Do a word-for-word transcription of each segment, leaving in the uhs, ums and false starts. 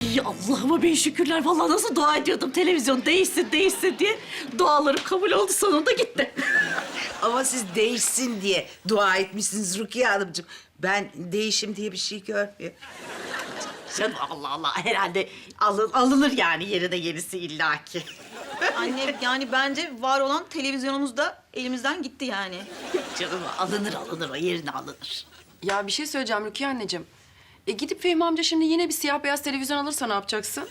Allah'ıma bin şükürler. Vallahi nasıl dua ediyordum televizyon değişsin değişsin diye. Dualarım kabul oldu, sonunda gitti. Ama siz değişsin diye dua etmişsiniz Rukiye Hanımcığım. Ben değişim diye bir şey görmüyorum. Canım Allah Allah, herhalde alın, alınır yani yerine yenisi illaki. Anne yani bence var olan televizyonumuz da elimizden gitti yani. Canım alınır alınır, o yerine alınır. Ya bir şey söyleyeceğim Rukiye anneciğim. E gidip Fehmi amca şimdi yine bir siyah beyaz televizyon alırsa ne yapacaksın?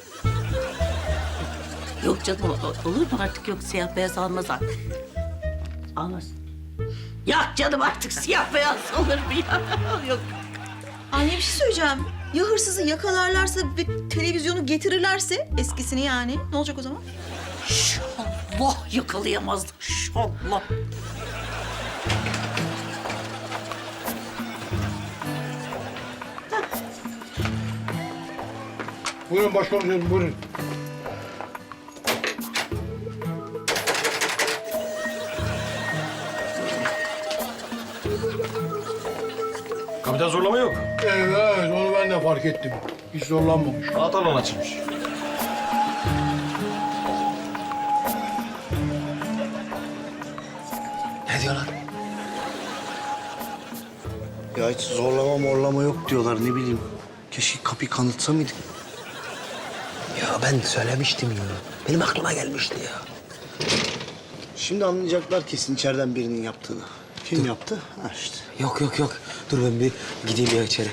Yok canım, o- olur mu artık, yok siyah beyaz almaz artık. Almaz. Yok canım, artık siyah beyaz olur mu ya? Yok. Anne bir şey söyleyeceğim. Ya hırsızı yakalarlarsa ve televizyonu getirirlerse eskisini yani ne olacak o zaman? İnşallah yakalayamazdık, inşallah. Buyurun başkomiserim, buyurun. Kapıdan zorlama yok. Evet, onu ben de fark ettim. Hiç zorlanmamış. Anahtarla açılmış. Ne diyorlar? Ya hiç zorlama morlama yok diyorlar, ne bileyim. Keşke kapıyı kanıtsa mıydık? Ya ben söylemiştim ya. Benim aklıma gelmişti ya. Şimdi anlayacaklar kesin içeriden birinin yaptığını. Kim yaptı? Ha işte. Yok yok yok. Dur ben bir gideyim ya içeri.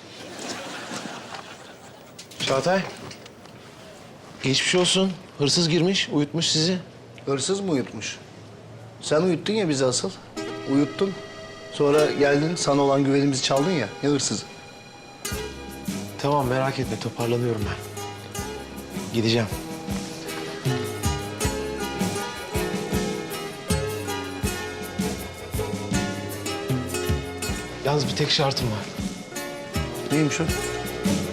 Çağatay. Geçmiş olsun. Hırsız girmiş, uyutmuş sizi. Hırsız mı uyutmuş? Sen uyuttun ya bizi asıl. Uyuttun. Sonra geldin, sana olan güvenimizi çaldın ya. Ne hırsızı? Tamam, merak etme. Toparlanıyorum ben. Gideceğim. Yalnız bir tek şartım var. Neymiş o?